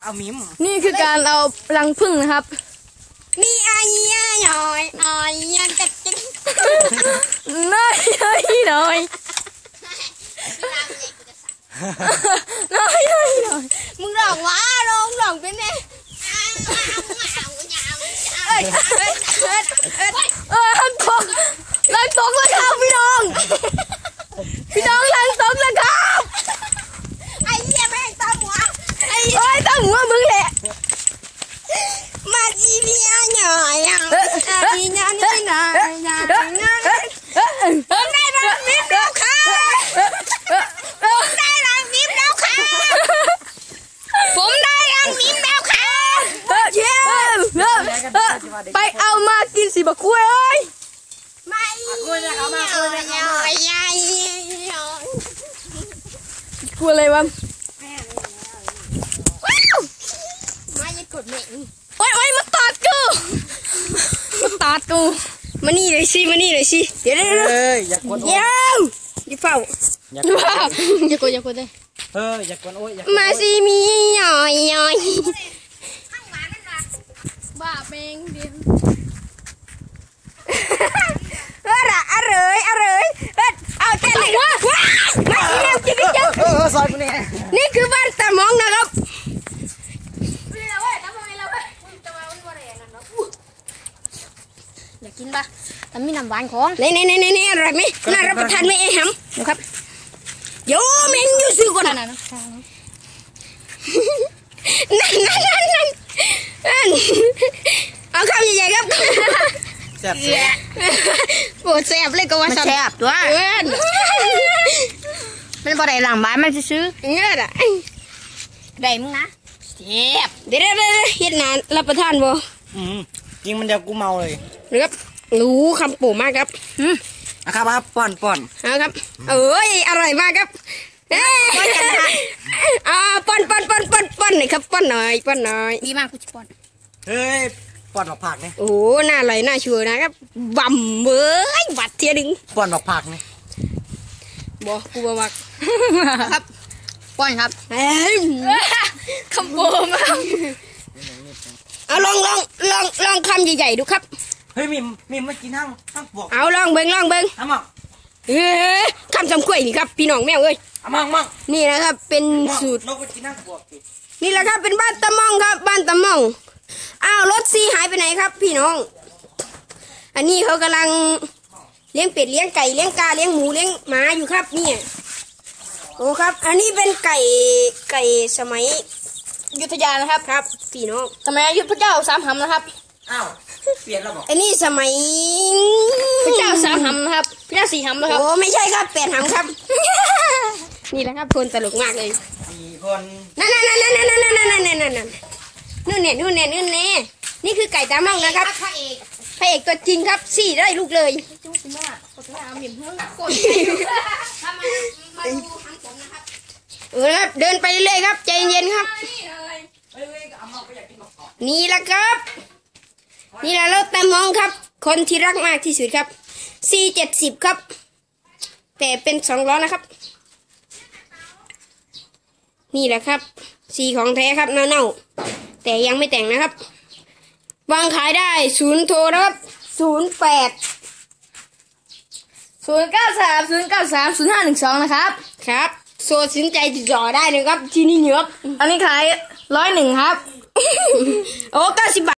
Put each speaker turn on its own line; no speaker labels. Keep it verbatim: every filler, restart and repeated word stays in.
เอามิม
นี่คือการเอารังผึ้งนะครับ
มีอายยอยอายยันกัดจิ้ง
น้อยน้อยน้อยน้อยน้อยน้อย
มึงร้องว่าร้องร้องเป็นไง
เอ้ยเอ้ยเอ้ยเอ้ยลังตกลังตกแล้วครับพี่น้องพี่น้องลังตกแล้วครับ
ไอ้เหี้ยแม่งตาหัว
ไอ้เอ้ยตาหัวมึงแหละ
มาจีบีอ่ะหน่อยอ่ะอีหน่อยนี่หน่อยหน่อยหน่อยผมได้รังมิมแล้วค่ะผมได้รังมิมแล้วค่ะผมได้รังมิมแล้วค่ะ
เย้ไปเอามากินสิบักกล้วยเอ้ย
มาอีหน่อยหน่อยหน่อยหน่อย
กลัวอะไรวะ
มาอย่ากดเมง
โอ้ยโอ้ยมาตอดกูมาตอดกู
มานี่เลยสิมานี่เลยสิเดี๋ยวเดี๋ยว
เฮ้ยอย่ากวนโอ้ย
อย่าเฝ้า
อย่ากวน
อย่ากดอย่ากดเลย
เฮ้ยอย่ากวนโอ้ย
มาสิมีหน่อยหน่อย
บ้าเป่งเดียว
เออละอร่อยอร่อยเอ็ดเอาเต้นเลยว้ามาอีเร็วจิกจิก
เออซอยกูเนี่ย
นี่คือบ้านตะมองนะครับ
อยากกินปะแต่มีน้ำหวานของ
นี่นี่นี่นี่อะไรไหมน่ารับประทานไหมไอ้หำนะครับโยเมงยูซื้อก่อนนั่นนั่นนั่นนั่นเอาคำใหญ่ๆครับ
แซ่บแซ่บ
ปวดแซ่บเลยก็ว่า
แซ่บตัว
เอื้อน
มันบ่ได้หลังบ้านมันซื้อ
เอื้อนอะ
ได้มึงนะแซ่บ
เดี๋ยวเดี๋ยวเฮ็ดนานรับประทานบ่
อืมจริงมันเดี๋ยวกูเมาเลย
นะครับรู้คำปู่มากครับ
อืมอะครับครับป้อนป้อน
เอาครับเอ้ยอร่อยมากครับเอ้ยอ่าป้อนป้อนป้อนป้อนป้อนหน่อยครับป้อนหน่อยป้อนหน่อย
ดีมากกูจะป้อน
เฮ้ยป้อนดอกผักเนี่ย
โอ้หน้าอร่อยหน้าชัวร์นะครับบ่มเบ้ยบัดเทียดึง
ป้อนดอกผักเนี่ย
บ่กูบ่มัก
ครับป้อนครับ
เอ้ย
คำโบมาก
เอาลองลองลองลองคำใหญ่ๆดูครับ
เฮ้ยมิมมิมมากินห้างห้างบวก
เอาลองเบิ้งลองเบิ้ง
เอามั่ง
เฮ้ยคำจำกล้วยนี่ครับพี่น้องแมวเอ้ย
เอามั่งมั่ง
นี่นะครับเป็นสูตร
เราไปกินห้างบวก
นี่แหละครับเป็นบ้านตะม่องครับบ้านตะม่องอ้าวรถซีหายไปไหนครับพี่น้องอันนี้เขากำลังเลี้ยงเป็ดเลี้ยงไก่เลี้ยงกาเลี้ยงหมูเลี้ยงหมาอยู่ครับนี่โอ้ครับอันนี้เป็นไก่ไก่สมัย
ยุทธยานะครับ
ครับพี่น้อง
สมัยยุทธเจ้าสามหำนะครับ
อ้าวเปลี่ยนแล้วบอก
อันนี้สมัย
พระเจ้าสามหำนะครับพระเจ้าสี่หำนะครับ
โอ้ไม่ใช่ครับแปดหำครับนี่แหละครับคนตลกมากเลย
สี่คน
นั่นนั่นนั่นนั่นนั่นนั่นนั่นนั่นนั่นนั่นนู่นเนี่ยนู่นเนี่ยนู่นเนี่ยนี่คือไก่ตาม่องนะครับพระเอกพระเอกตัวจริงครับสี่ได้ลูกเลย
จุ๊บมากกดมาเหม็นเพิ่งกด
ทำไมมาดูทางผมนะครับเออครับเดินไปเรื่อยครับใจเย็นครับนี่แหละครับนี่แหละรถตามองครับคนที่รักมากที่สุดครับซีเจ็ดสิบครับแต่เป็นสองล้อนะครับนี่แหละครับซีของแท้ครับเน่าๆแต่ยังไม่แต่งนะครับวางขายได้ศูนย์โทรนะครับศูนย์แปด
ศูนย์เก้าสามศูนย์เก้าสามศูนย์ห้าหนึ่งสองนะครับ
ครับโซสินใจติดต่อได้นะครับที่นี่เยอะ
อันนี้ขายร้อยหนึ่งครับ
โอ้เก้าสิบบาท